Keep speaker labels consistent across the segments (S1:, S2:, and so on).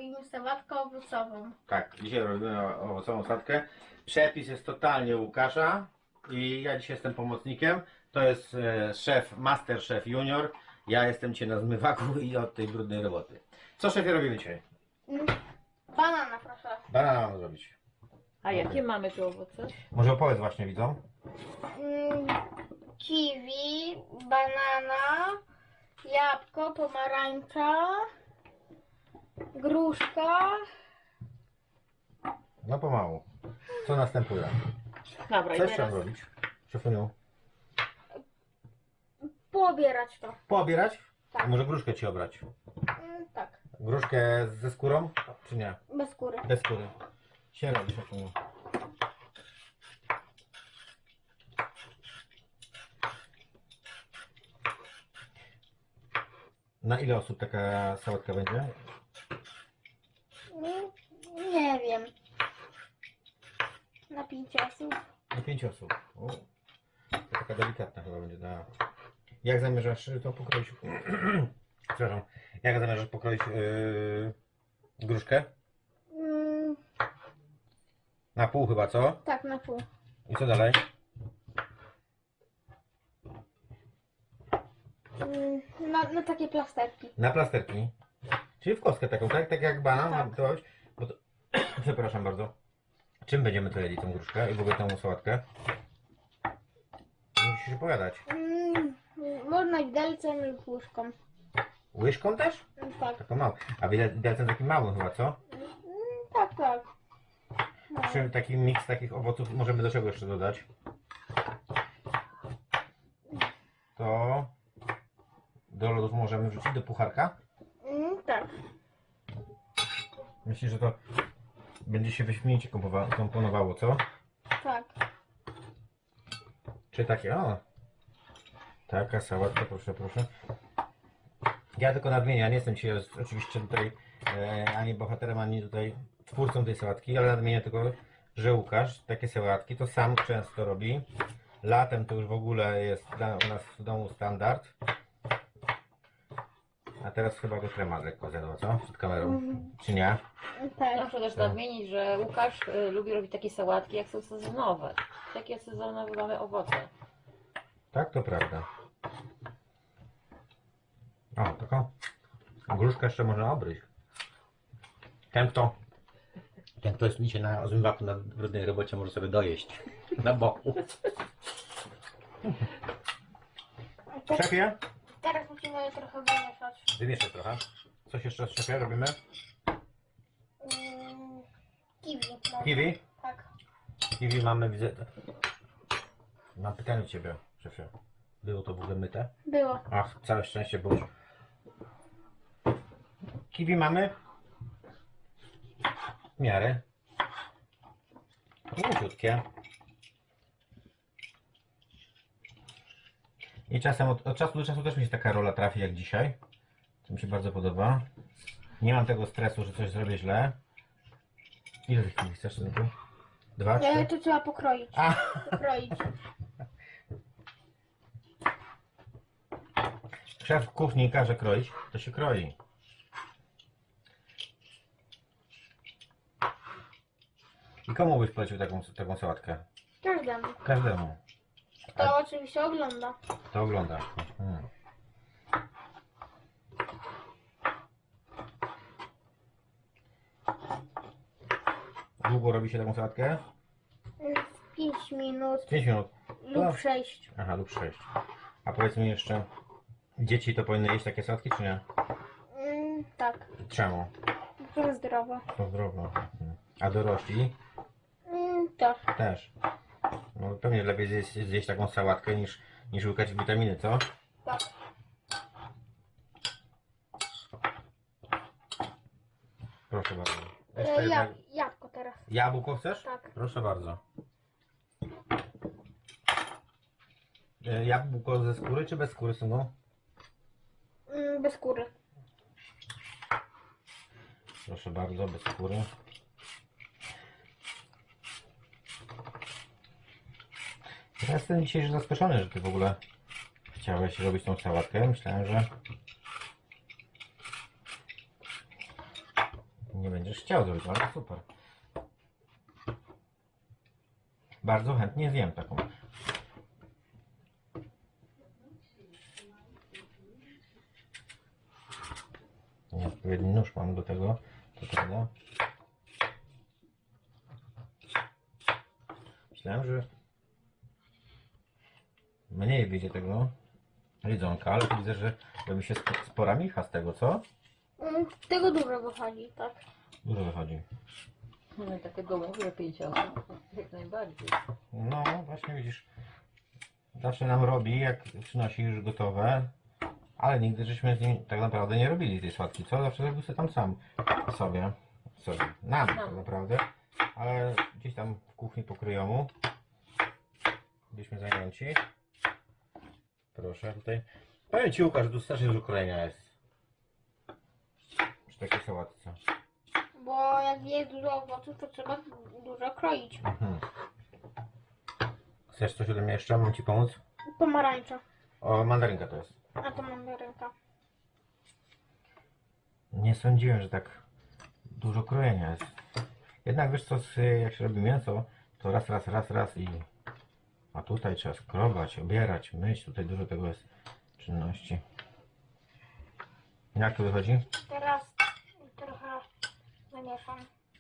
S1: robimy sałatkę owocową.
S2: Tak, dzisiaj robimy owocową sadkę. Przepis jest totalnie Łukasza i ja dzisiaj jestem pomocnikiem. To jest szef, master szef junior. Ja jestem dzisiaj na zmywaku i od tej brudnej roboty. Co szefie robimy dzisiaj?
S1: Banana proszę.
S2: Banana mamy zrobić.
S3: A jakie mamy tu owoce?
S2: Może opowiedz właśnie widzom.
S1: Kiwi, banana, jabłko, pomarańcza, gruszka.
S2: No pomału. Co następuje?
S3: Dobra,
S2: Co
S3: i
S2: jeszcze
S3: teraz
S2: robić? Szefuniu?
S1: Poobierać to.
S2: Poobierać?
S1: Tak.
S2: A może gruszkę ci obrać?
S1: Tak,
S2: Gruszkę ze skórą? Czy nie?
S1: bez skóry.
S2: Bez skóry. Się robi, szefuniu. Na ile osób taka sałatka będzie?
S1: Nie wiem. Na 5 osób.
S2: Na 5 osób. O, to taka delikatna chyba będzie. Jak zamierzasz to pokroić? Przepraszam. Jak zamierzasz pokroić gruszkę? Na pół chyba, co?
S1: Tak, na pół.
S2: I co dalej?
S1: Na takie plasterki.
S2: Na plasterki. Czyli w kostkę taką, tak? Tak jak banan.
S1: Tak.
S2: To, bo to, przepraszam bardzo. Czym będziemy to jedli tą gruszkę i w ogóle tą sałatkę? Musisz opowiadać.
S1: Można widelcem lub łyżką.
S2: Łyżką też?
S1: Tak.
S2: Taką małą. A widelcem takim małym chyba, co?
S1: Tak, tak. No.
S2: Czym taki miks takich owoców możemy do czego jeszcze dodać? To do lodów możemy wrzucić do pucharka.
S1: Tak.
S2: Myślę, że to będzie się wyśmienicie komponowało, co?
S1: Tak.
S2: Czy takie, o! Taka sałatka, proszę, proszę. Ja tylko nadmienię, ja nie jestem dzisiaj oczywiście tutaj ani bohaterem, ani tutaj twórcą tej sałatki, ale nadmienię tylko, że Łukasz takie sałatki to sam często robi. Latem to już w ogóle jest u nas w domu standard. A teraz chyba go trema lekko zjadła, co? Przed kamerą. Czy nie?
S1: Tak.
S3: muszę też nadmienić, że Łukasz lubi robić takie sałatki, jak są sezonowe. Takie sezonowe mamy owoce.
S2: Tak, to prawda. O, taką gruszkę jeszcze można obryć. Ten kto jest dzisiaj na zmywaku na brudnej robocie, może sobie dojeść na boku. Szefie?
S1: Teraz musimy je trochę wymieszać.
S2: Wymieszaj trochę. Coś jeszcze szefie robimy?
S1: Kiwi. może.
S2: Kiwi?
S1: Tak.
S2: Kiwi mamy, widzę. Mam pytanie do ciebie, szefie. Było to w ogóle myte?
S1: Było.
S2: Ach, całe szczęście, bo kiwi mamy w miarę mięciutkie. I czasem od czasu do czasu też mi się taka rola trafi jak dzisiaj. To mi się bardzo podoba. Nie mam tego stresu, że coś zrobię źle. Ile tych kiwi chcesz, synku? 2, 3?
S1: To trzeba pokroić.
S2: A!
S1: Pokroić.
S2: Szef kuchni każe kroić, to się kroi. I komu byś polecił taką sałatkę?
S1: Każdemu.
S2: Każdemu.
S1: To oczywiście ogląda.
S2: To ogląda. Mhm. Długo robi się taką sałatkę?
S1: 5 minut
S2: 5 minut.
S1: lub 6.
S2: Aha, lub 6. A powiedz mi jeszcze, dzieci to powinny jeść takie sałatki, czy nie?
S1: Tak.
S2: Czemu?
S1: To zdrowo.
S2: To zdrowo. Mhm. A dorośli?
S1: Tak.
S2: Też. No pewnie lepiej zjeść taką sałatkę niż łykać witaminy, co?
S1: Tak.
S2: Proszę bardzo. Jeszcze jedna...
S1: Jabłko teraz.
S2: Jabłko chcesz?
S1: Tak.
S2: Proszę bardzo. Jabłko ze skóry czy bez skóry, synu?
S1: Bez skóry.
S2: Proszę bardzo, bez skóry. Ja jestem dzisiaj zaskoczony, że ty w ogóle chciałeś robić tą sałatkę. Myślałem, że chciał zrobić, ale super. Bardzo chętnie zjem taką. Nieodpowiedni nóż mam do tego, to prawda. Myślałem, że mniej wyjdzie tego jedzonka, ale tu widzę, że robi się spora micha z tego, co?
S1: Z tego dużo wychodzi, tak.
S2: Dużo wychodzi.
S3: No i takiego mówię 5 osób, jak najbardziej.
S2: No, właśnie widzisz, zawsze nam robi, jak przynosi już gotowe, ale nigdy żeśmy z nim tak naprawdę nie robili tej sałatki, co? Zawsze robił sobie tam sam sobie, nam tak naprawdę, ale gdzieś tam w kuchni pokryjomu byliśmy zajęci. Proszę, tutaj. Powiem Ci, Łukasz, że tu strasznie dużo krojenia jest przy takiej sałatce.
S1: Bo jak jest dużo owoców, to trzeba dużo kroić.
S2: Mhm. Chcesz coś ode mnie jeszcze? Mam Ci pomóc?
S1: Pomarańcza.
S2: O, mandarynka to jest.
S1: A to mandarynka.
S2: Nie sądziłem, że tak dużo krojenia jest. Jednak wiesz co, jak się robi mięso, to raz i... A tutaj trzeba skrobać, obierać, myć, tutaj dużo tego jest czynności. Jak to wychodzi?
S1: Teraz trochę zamieszam.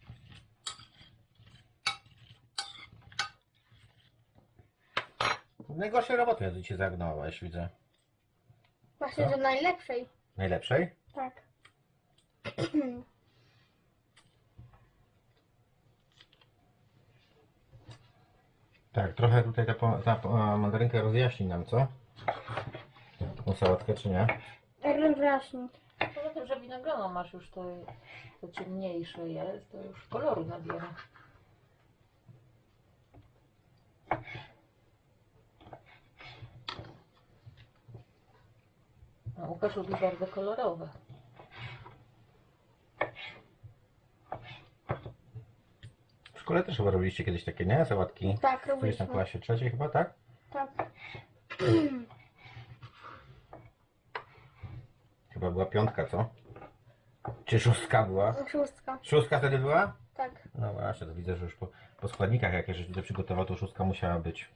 S2: Najgorszej roboty ja Cię zagnąłeś, widzę.
S1: Właśnie
S2: Co?
S1: do najlepszej.
S2: Najlepszej?
S1: Tak.
S2: Tak, trochę tutaj ta mandarynka rozjaśni nam, co? Tą sałatkę, czy nie?
S1: Rozjaśni.
S3: Poza tym, że winogrono masz już to ciemniejsze jest, to już koloru nabiera. A Łukasz lubi bardzo kolorowe.
S2: W szkole też chyba robiliście kiedyś takie, nie? Sałatki.
S1: Tak,
S2: Gdzieś tam w
S1: robiliśmy.
S2: klasie trzeciej chyba, tak?
S1: Tak.
S2: Chyba była piątka, co? Czy szóstka była?
S1: Szóstka.
S2: Szóstka wtedy była?
S1: Tak.
S2: No właśnie, to widzę, że już po składnikach, jakie żeś tutaj przygotował, to szóstka musiała być.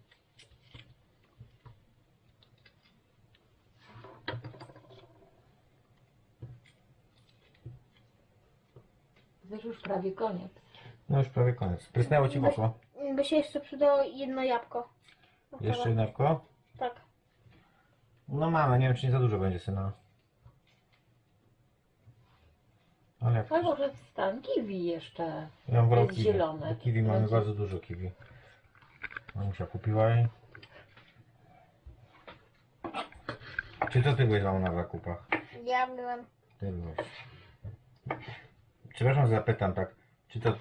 S3: Wiesz, już prawie koniec.
S2: No już prawie koniec. Prysnęło Ci w oko?
S1: By się jeszcze przydało jedno jabłko.
S2: Jeszcze jednako?
S1: Tak.
S2: No mamy, nie wiem czy nie za dużo będzie, syna. Ale jak...
S3: Albo że stan kiwi jeszcze.
S2: Ja mam wolę
S3: jest
S2: kiwi.
S3: zielone.
S2: Bo kiwi mamy
S3: Będzie-
S2: bardzo dużo kiwi. Mamusia kupiła i... Czy to Ty byłeś mamo na zakupach?
S1: Ja byłem.
S2: Ty byłeś. Przepraszam, zapytam tak, czy to...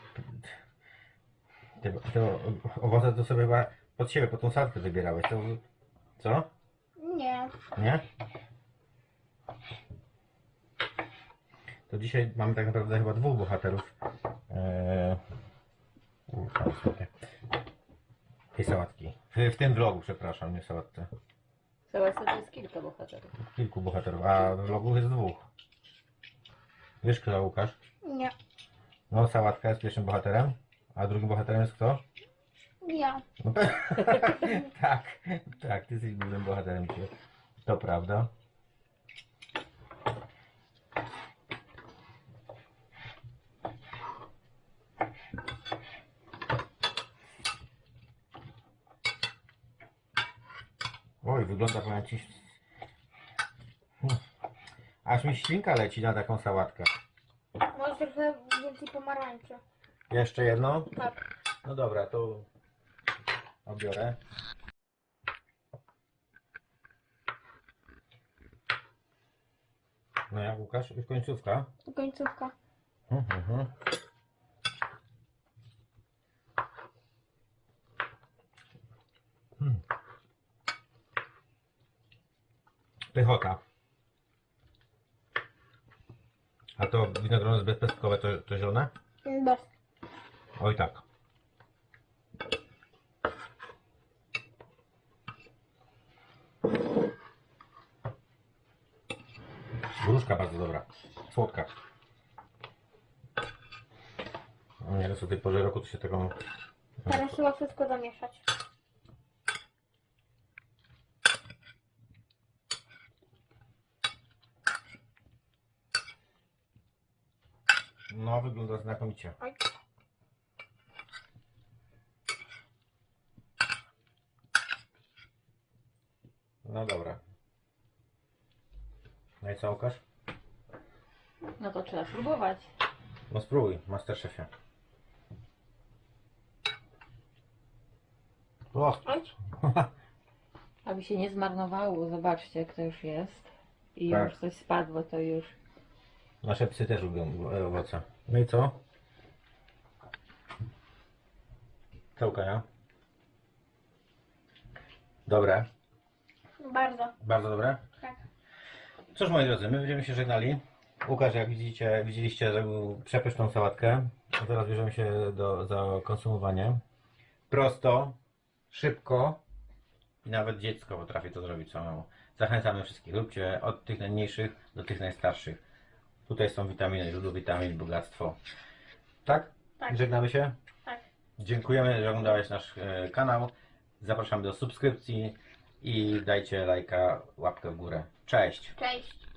S2: Te owoce to sobie chyba pod siebie, pod tą sadkę wybierałeś, to... Co?
S1: Nie.
S2: Nie? To dzisiaj mamy tak naprawdę chyba dwóch bohaterów tej sałatki. W tym vlogu, przepraszam, nie w sałatce.
S3: Sałatce to jest kilka bohaterów.
S2: Kilku bohaterów, a w vlogu jest dwóch. Wiesz kto, Łukasz?
S1: Nie.
S2: No, sałatka jest pierwszym bohaterem, a drugim bohaterem jest kto?
S1: Ja.
S2: No, tak, tak, ty jesteś głównym bohaterem dzisiaj. To prawda. Oj, wygląda, powiem ci... Aż mi ślinka leci na taką sałatkę.
S1: Może trochę więcej pomarańczy.
S2: Jeszcze jedno?
S1: Tak.
S2: No dobra, to obiorę. No jak Łukasz? Już końcówka?
S1: Końcówka.
S2: Mhm. Pychota. A to winogrono jest bezpestkowe, to zielone?
S1: Bez.
S2: Oj tak. Gruszka bardzo dobra. Słodka. Teraz o tej porze roku to się taką...
S1: Teraz trzeba wszystko zamieszać.
S2: No, wygląda znakomicie.
S1: Oj.
S2: No dobra. No i co, Łukasz?
S3: No to trzeba spróbować.
S2: No spróbuj, Masterchefie. O,
S1: Oj.
S3: Aby się nie zmarnowało, zobaczcie jak to już jest. I
S2: Tak.
S3: już coś spadło, to już.
S2: nasze psy też lubią owoce. No i co? Co, Łukaja? Dobre?
S1: Bardzo.
S2: Bardzo dobre?
S1: Tak.
S2: Cóż, moi drodzy, my będziemy się żegnali. Łukasz, jak widzieliście, zrobił przepyszną sałatkę. A teraz bierzemy się za konsumowanie. Prosto, szybko i nawet dziecko potrafi to zrobić samemu. Zachęcamy wszystkich. Róbcie od tych najmniejszych do tych najstarszych. Tutaj są witaminy, źródło witamin, bogactwo. Tak?
S1: Tak.
S2: Żegnamy się.
S1: Tak.
S2: Dziękujemy, że oglądałeś nasz kanał. Zapraszamy do subskrypcji i dajcie lajka, łapkę w górę. Cześć!
S1: Cześć.